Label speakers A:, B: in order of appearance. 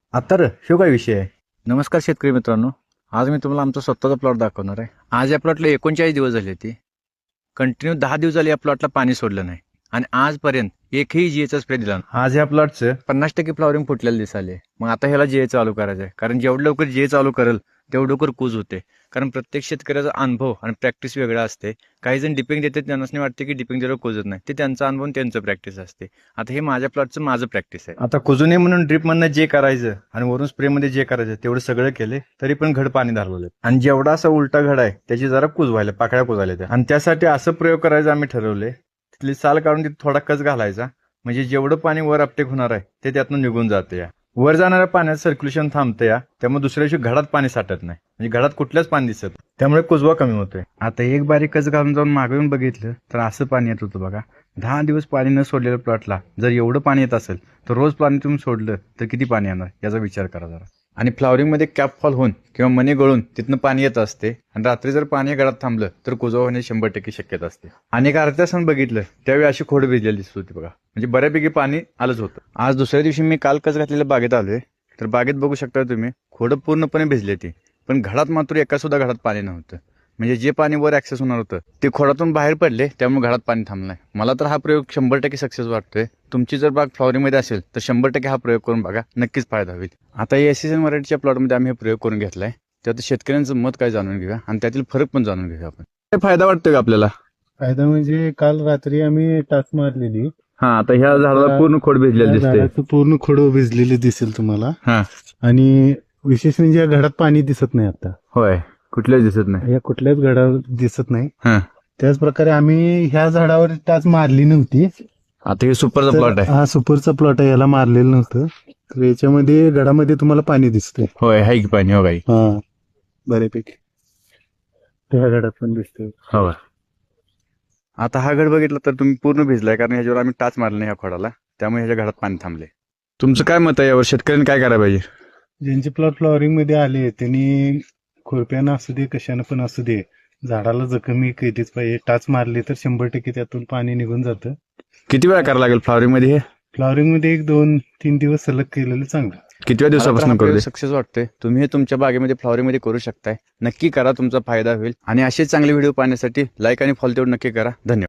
A: आता ह्यो काय विषय आहे? नमस्कार शेतकरी मित्रांनो, आज मी तुम्हाला आमचा स्वतःचा प्लॉट दाखवणार आहे. आज या प्लॉटला 39 दिवस झाले होते. कंटिन्यू 10 दिवस झाले या प्लॉटला पाणी सोडलं नाही आणि आजपर्यंत एकही जीएचा स्प्रे दिला नाही. आज या प्लॉटचं 50% फ्लॉवरिंग फुटलेलं दिसाले. मग आता ह्याला जीए चालू करायचं आहे, कारण जेवढं लवकर जीए चालू करेल तेवढं लवकर कूज होते. कारण प्रत्येक शेतकऱ्याचा अनुभव आणि प्रॅक्टिस वेगळा असते. काही जण डिपिंग देतात, त्यांना नाही वाटते की डिपिंग दिल्यावर कुजत नाही. ते त्यांचा अनुभव त्यांचं प्रॅक्टिस असते. आता हे माझ्या प्लॉटचं माझं प्रॅक्टिस आहे. आता कुजू नये म्हणून ड्रिपमधनं जे करायचं आणि वरून स्प्रेमध्ये जे करायचं तेवढं सगळं केले, तरी पण घड पाणी धरवलं. आणि जेवढा असा उलटा घड आहे त्याची जरा कुज व्हायला, पाकळ्या कुजायला त्या. आणि त्यासाठी असं प्रयोग करायचा आम्ही ठरवले. तिथली साल काढून तिथे थोडा कच घालायचा, म्हणजे जेवढं पाणी वर अपटेक होणार आहे ते त्यातनं निघून जाते. या वर जाणाऱ्या पाण्याचं सर्क्युलेशन थांबतं या, त्यामुळे दुसऱ्या दिवशी घडात पाणी साठत नाही, म्हणजे घडात कुठल्याच पाणी दिसत, त्यामुळे कुजवा कमी होतोय. आता एक बारीक कच घालून जाऊन मागून बघितलं तर असं पाणी येत होतं बघा. 10 दिवस पाणी न सोडलेल्या प्लॉटला जर एवढं पाणी येत असेल तर रोज पाणी तुम्ही सोडलं तर किती पाणी येणार याचा विचार करा जरा. आणि फ्लॉवरिंगमध्ये कॅप फॉल होऊन किंवा मणी गळून तिथनं पाणी येत असते आणि रात्री जर पाणी गळात थांबलं तर कुजवा होण्याची 100% शक्यता असते. आणि एक अर्ध्या तासानं बघितलं त्यावेळी अशी खोड भिजलेली दिसत होती बघा, म्हणजे बऱ्यापैकी पाणी आलंच होतं. आज दुसऱ्या दिवशी मी काल कच घातलेल्या बागेत आलोय, तर बागेत बघू शकता तुम्ही खोडं पूर्णपणे भिजली ती, पण घडात मात्र एका सुद्धा घडात पाणी नव्हतं. म्हणजे जे पाणी वर ऍक्सेस होणार होतं ते खोडातून बाहेर पडले, त्यामुळे घडात पाणी थांबलं नाही. मला तर हा प्रयोग 100% सक्सेस वाटतोय. तुमची जर बाग फ्लॉवरिंगमध्ये असेल तर 100% हा प्रयोग करून बघा, नक्कीच फायदा होईल. आता एसीएन मराठीच्या प्लॉटमध्ये आम्ही हे प्रयोग करून घेतलाय. त्यात शेतकऱ्यांचं मत काय जाणून घेऊया आणि त्यातील फरक पण जाणून घेऊया आपण. काय फायदा वाटतोय का आपल्याला?
B: फायदा म्हणजे काल रात्री आम्ही टाच मारलेली.
A: हा, आता ह्या झाडाला पूर्ण खोड भिजलेली दिसते.
B: झाडाचं पूर्ण खोड भिजलेली दिसेल तुम्हाला.
A: हा,
B: आणि विशेष म्हणजे या घडात पाणी दिसत नाही आता.
A: होय, कुठल्याच दिसत नाही,
B: या कुठल्याच घडावर दिसत नाही.
A: हा.
B: त्याच प्रकारे आम्ही ह्या झाडावर टाच मारली नव्हती.
A: आता हे सुपरचा प्लॉट आहे.
B: हा सुपरचा प्लॉट आहे, याला मारलेलं नव्हतं. तर याच्यामध्ये घडामध्ये तुम्हाला पाणी दिसतंय.
A: होय, हाय की पाणी, हो काही.
B: हा, बऱ्यापैकी ह्या घडात पण दिसतंय.
A: हो. आता हा घड बघितला तर तुम्ही पूर्ण भिजलाय, कारण ह्याच्यावर आम्ही टाच मारले नाही ह्या खोडाला, त्यामुळे ह्याच्या घडात पाणी थांबले. तुमचं काय मत आहे यावर? शेतकऱ्यांनी काय करायला पाहिजे?
B: ज्यांचे प्लॉट फ्लॉवरिंग मध्ये आले त्यांनी खुरप्यानं असू दे कशानं पण असू दे, झाडाला जखमी केलीच पाहिजे. टाच मारली तर 100% त्यातून पाणी निघून जातं.
A: किती वेळा करायला लागेल फ्लॉवरिंग मध्ये हे?
B: फ्लॉवरिंग मध्ये 1-2-3 दिवस सलग केलेलं चांगलं.
A: कितव्या दिवसापासून करू सक्सेस वाटतंय? तुम्ही हे तुमच्या बागेमध्ये फ्लॉवरिंग मध्ये करू शकताय. नक्की करा, तुमचा फायदा होईल. आणि असे चांगले व्हिडिओ पाहण्यासाठी लाईक आणि फॉलो तेवढं नक्की करा. धन्यवाद.